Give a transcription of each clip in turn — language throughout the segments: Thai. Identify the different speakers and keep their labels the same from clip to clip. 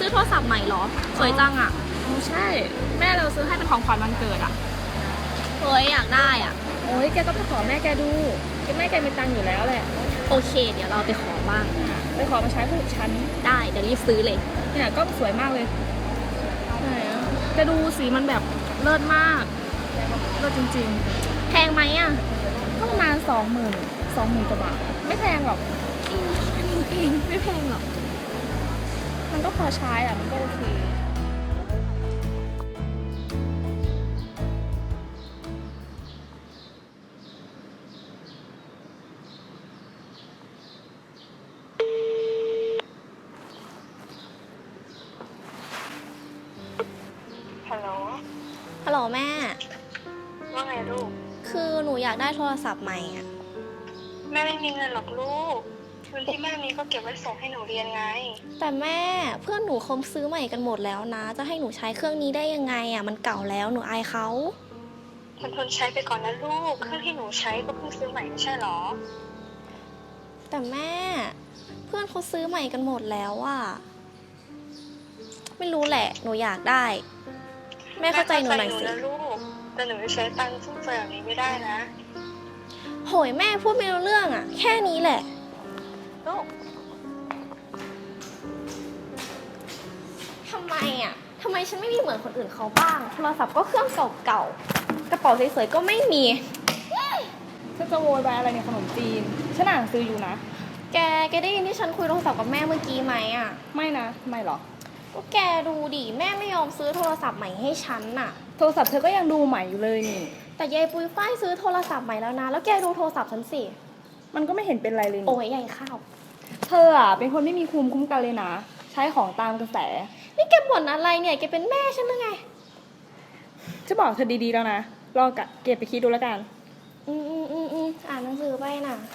Speaker 1: ซื้อโทรศัพท์ใหม่เหรอสวยจังอ่ะ
Speaker 2: ใช่แม่เราซื้อให้เป็นของขวัญวันเกิดอ่ะ
Speaker 1: เฮ้ยอยากได้อ่ะ
Speaker 2: โอ้ยแกก็ไปขอแม่แกดูแม่แกมีตังค์อยู่แล้วแหละ
Speaker 1: โอเคเดี๋ยวเราไปขอบ้าง
Speaker 2: ไปขอมาใช้พวกฉัน
Speaker 1: ได้เดี๋ยวรีบซื้อเลย
Speaker 2: เนี่ยก็สวยมากเลยไหนอ่ะจะดูสีมันแบบเลิศมากเลิศจริง
Speaker 1: ๆแพงไหมอ่ะ
Speaker 2: ก็ประมาณ20,000กว่าบาทไม่แพงหรอก
Speaker 1: เองไม่แพงหรอก
Speaker 2: มันก็พอใช้อ่ะมันก็โอเค
Speaker 3: ฮัลโหล
Speaker 1: ฮัลโหลแม่
Speaker 3: ว่าไงลูก
Speaker 1: คือหนูอยากได้โทรศัพท์ใหม่อ่ะ
Speaker 3: แม่ไม่มีเงินหรอกลูกเงินที่แม่มีก็เก็บไว้ส่งให้หนูเรียนไง
Speaker 1: แต่แม่เพื่อนหนูเขาซื้อใหม่กันหมดแล้วนะจะให้หนูใช้เครื่องนี้ได้ยังไงอ่ะมันเก่าแล้วหนูอายเขา
Speaker 3: ทนใช้ไปก่อนนะลูกเครื่องที่หนูใช้ก็เพิ่งซื้อใหม่ไม่ใช่หรอ
Speaker 1: แต่แม่เพื่อนเขาซื้อใหม่กันหมดแล้วอ่ะไม่รู้แหละหนูอยากได้แม่เข้าใจหนูหน่อยสิ
Speaker 3: นะลูกแต่หนูจะใช้ตังค์ฟุ่มเฟือยแบบนี้ไม่ได้นะ
Speaker 1: โหยแม่พูดไม่รู้เรื่องอ่ะแค่นี้แหละ
Speaker 3: ลูก
Speaker 1: ทำไมอ่ะทำไมฉันไม่มีเหมือนคนอื่นเขาบ้างโทรศัพท์ก็เครื่องเก่าๆกระเป๋าสวยๆก็ไม่มี
Speaker 2: ฉันจะโวยวายอะไรเนี่ยขนมจีนฉันอ่านหนังสืออยู่นะ
Speaker 1: แกได้ยินที่ฉันคุยโทรศัพท์กับแม่เมื่อกี้ไหมอ่ะ
Speaker 2: ไม่นะไม่หรอ
Speaker 1: ก็แกดูดิแม่ไม่ยอมซื้อโทรศัพท์ใหม่ให้ฉันน่ะ
Speaker 2: โทรศัพท์เธอก็ยังดูใหม่อยู่เลยนี่
Speaker 1: แต่ยายปุ้ยฝ้ายซื้อโทรศัพท์ใหม่แล้วนะแล้วแกดูโทรศัพท์ฉันสิ
Speaker 2: มันก็ไม่เห็นเป็นไรเลย
Speaker 1: โอ้ยใหญ่ข้าว
Speaker 2: เธออ่ะเป็นคนไม่มีภูมิคุ้มกันเลยนะใช้ของตามกระแส
Speaker 1: นี่แกบ่นอะไรเนี่ยแกเป็นแม่ฉันหรือไง
Speaker 2: จะบอกเธอดีๆแล้วนะลองเก็บไปคิดดูแล้วกัน
Speaker 1: อ่านหนังสือไปน่ะ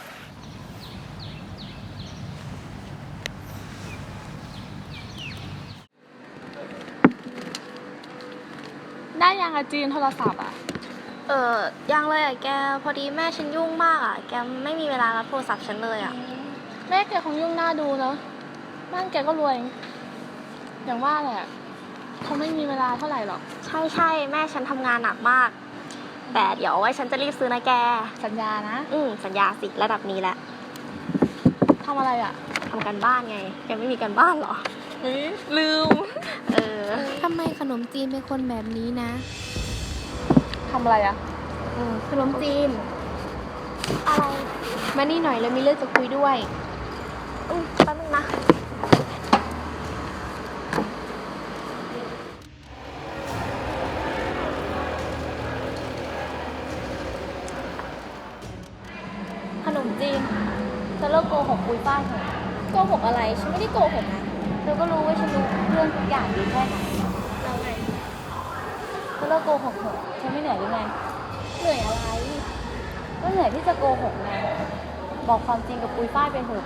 Speaker 2: ได้ยังอะจีนโทรศัพท์อ่ะ
Speaker 1: ยังเลยอ่ะแกพอดีแม่ฉันยุ่งมากอ่ะแกไม่มีเวลารับโทรศัพท์ฉันเลยอ่ะ
Speaker 2: แม่แกคงยุ่งหน้าดูเนาะบ้านแกก็รวยอย่างว่าแหละเขาไม่มีเวลาเท่าไหร่หรอก
Speaker 1: ใช่แม่ฉันทำงานหนักมากแต่เดี๋ยวไว้ฉันจะรีบซื้อนะแก
Speaker 2: สัญญานะ
Speaker 1: สัญญาสิระดับนี้แหละ
Speaker 2: ทำอะไรอ่ะ
Speaker 1: ทำกันบ้านไงแกไม่มีกันบ้านหรอ
Speaker 2: ลืม
Speaker 1: ทำไมขนมจีนเป็นคนแบบนี้นะ
Speaker 2: ทำอะไรอ่ะ
Speaker 1: ขนมจีนอะไรมานี่หน่อยแล้วมีเรื่องจะคุยด้วยแป๊บนึงนะขนมจีนจะเลิกโกหกปุยป้าเถอะโกหกอะไรฉันไม่ได้โกหกนะเธอก็รู้ว่าฉันรู้เรื่องทุกอย่างดีแค่ไหนแล้วไง
Speaker 2: จะเลิกโกหกเถอะฉันไม่เหนื่อยหรือไง
Speaker 1: เหนื่อยอะไร
Speaker 2: ก็เหนื่อยที่จะโกหกไงบอกความจริงกับปุยฝ้ายไปเถอะ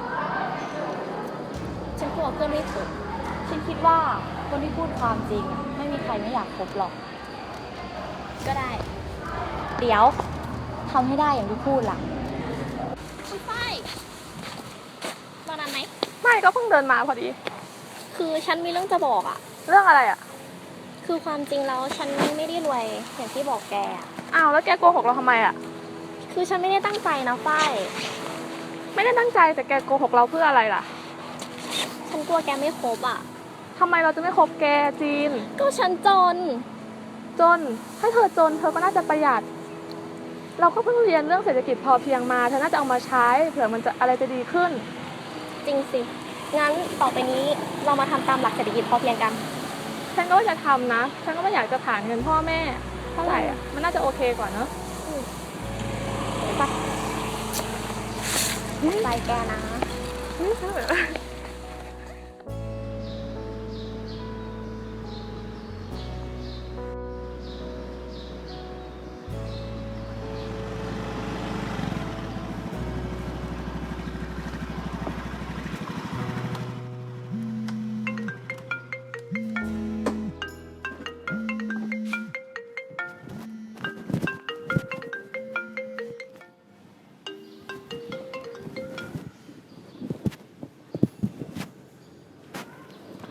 Speaker 1: ฉันกลัวเพื่อนไม่ถูก
Speaker 2: ฉันคิดว่าคนที่พูดความจริงไม่มีใครไม่อยากคบหรอก
Speaker 1: ก็ได้
Speaker 2: เดี๋ยวทำให้ได้อย่างที่พูดล่ะ
Speaker 1: ปุยฝ้ายรอนานไหม
Speaker 2: ไม่ก็เพิ่งเดินมาพอดี
Speaker 1: คือฉันมีเรื่องจะบอกอะ
Speaker 2: เรื่องอะไรอะ
Speaker 1: คือความจริงแล้วฉันไม่ได้รวยอย่างที่บอกแก
Speaker 2: อ้าวแล้วแกโกหกเราทำไมอะ
Speaker 1: คือฉันไม่ได้ตั้งใจนะฝ้าย
Speaker 2: ไม่ได้ตั้งใจแต่แกโกหกเราเพื่ออะไรล่ะ
Speaker 1: ฉันกลัวแกไม่คบอะ
Speaker 2: ทำไมเราจะไม่คบแกจีน
Speaker 1: ก็ฉันจน
Speaker 2: ถ้าเธอจนเธอก็น่าจะประหยัดเราก็เพิ่งเรียนเรื่องเศรษฐกิจพอเพียงมาเธอน่าจะเอามาใช้เผื่อมันจะอะไรจะดีขึ้น
Speaker 1: จริงสิงั้นต่อไปนี้เรามาทำตามหลักเศรษฐกิจพอเพียงกัน
Speaker 2: ฉันก็จะทำนะฉันก็ไม่อยากจะผ่านเงินพ่อแม่เท่าไหร่อ่ะมันน่าจะโอเคกว่าเนอะ
Speaker 1: ไปแกนะ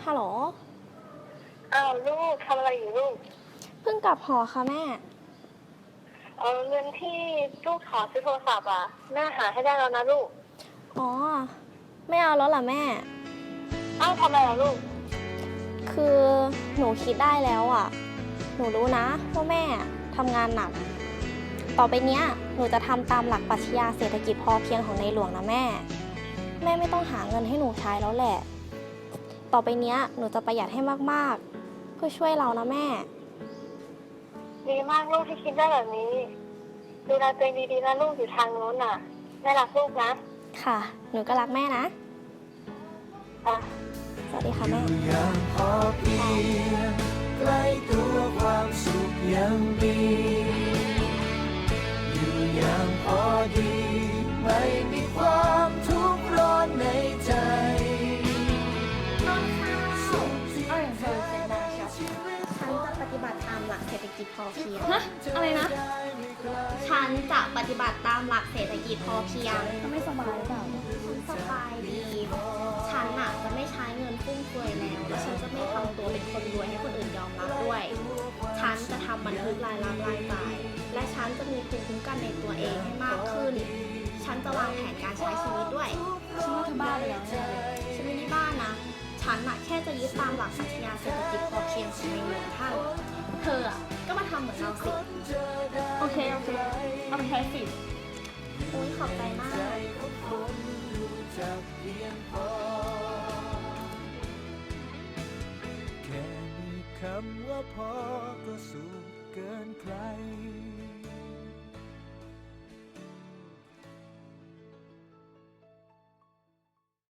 Speaker 1: ฮัลโหล
Speaker 3: อ้าวลูกทำอะไรอยู่ลูก
Speaker 1: เพิ่งกลับหอค่ะแม่
Speaker 3: เงินที่ลูกขอซื้อโทรศัพท์อ่ะแม่หาให้ได้แล้วนะลูก
Speaker 1: อ๋อ ไม่เอาแล้วล่ะแม่
Speaker 3: อ้าวทำไมล่ะลูก
Speaker 1: คือหนูคิดได้แล้วอ่ะ หนูรู้นะว่าแม่ทำงานหนัก ต่อไปเนี้ยหนูจะทำตามหลักปรัชญาเศรษฐกิจพอเพียงของในหลวงนะแม่ แม่ไม่ต้องหาเงินให้หนูใช้แล้วแหละ ต่อไปเนี้ยหนูจะประหยัดให้มากๆ เพื่อช่วยเรานะแม่
Speaker 3: ดีมากลูกที่คิดได้แบบนี้ ดูแลตัวเองดีๆนะลูกอยู่ทางโน้นน่ะแม่รักลูกนะ
Speaker 1: ค่ะ หนูก็รักแม่นะ
Speaker 3: อ่ะ
Speaker 1: สวัสดีค่ะแม่
Speaker 4: อย่างพอเพียงใกล้ตัวความสุขยังมีอยู่อย่างพอดีไม่มีความทุกข์ร้อนในใจสุขที่แท้จากชีวิต
Speaker 1: ฉันจะปฏิบัติตามหลักเศรษฐกิจพอเพียง
Speaker 2: ฮะ อะไรนะ
Speaker 1: ฉันจะปฏิบัติตามหลักเศรษฐกิจพอเพียง
Speaker 2: เขาไม่สบายหรือเปล่า
Speaker 1: ฉันสบายดี ฉันน่ะจะไม่ใช้เงินฟุ่มเฟือยแล้ว และฉันจะไม่ทำตัวเป็นคนรวยให้คนอื่นยอมรับด้วย ฉันจะทำบันทึกรายรับรายจ่าย และฉันจะมีภูมิคุ้มกันในตัวเองให้มากขึ้น ฉันจะวางแผนการใช้ชีวิตด้วย
Speaker 2: ฉันว่าเธอบ้าไปแล้วแน่เลย
Speaker 1: ฉันไม่ได้บ้านะ ฉันน่ะแค่จะยึดตามหลักปรัชญาเศรษฐกิจพอเพียงของในหลวงท่าน เธออ่ะก็มาทำเหมือนเราสิ
Speaker 2: โอเค เอาไปใช้สิ
Speaker 1: อุ้ยขอบใจมาก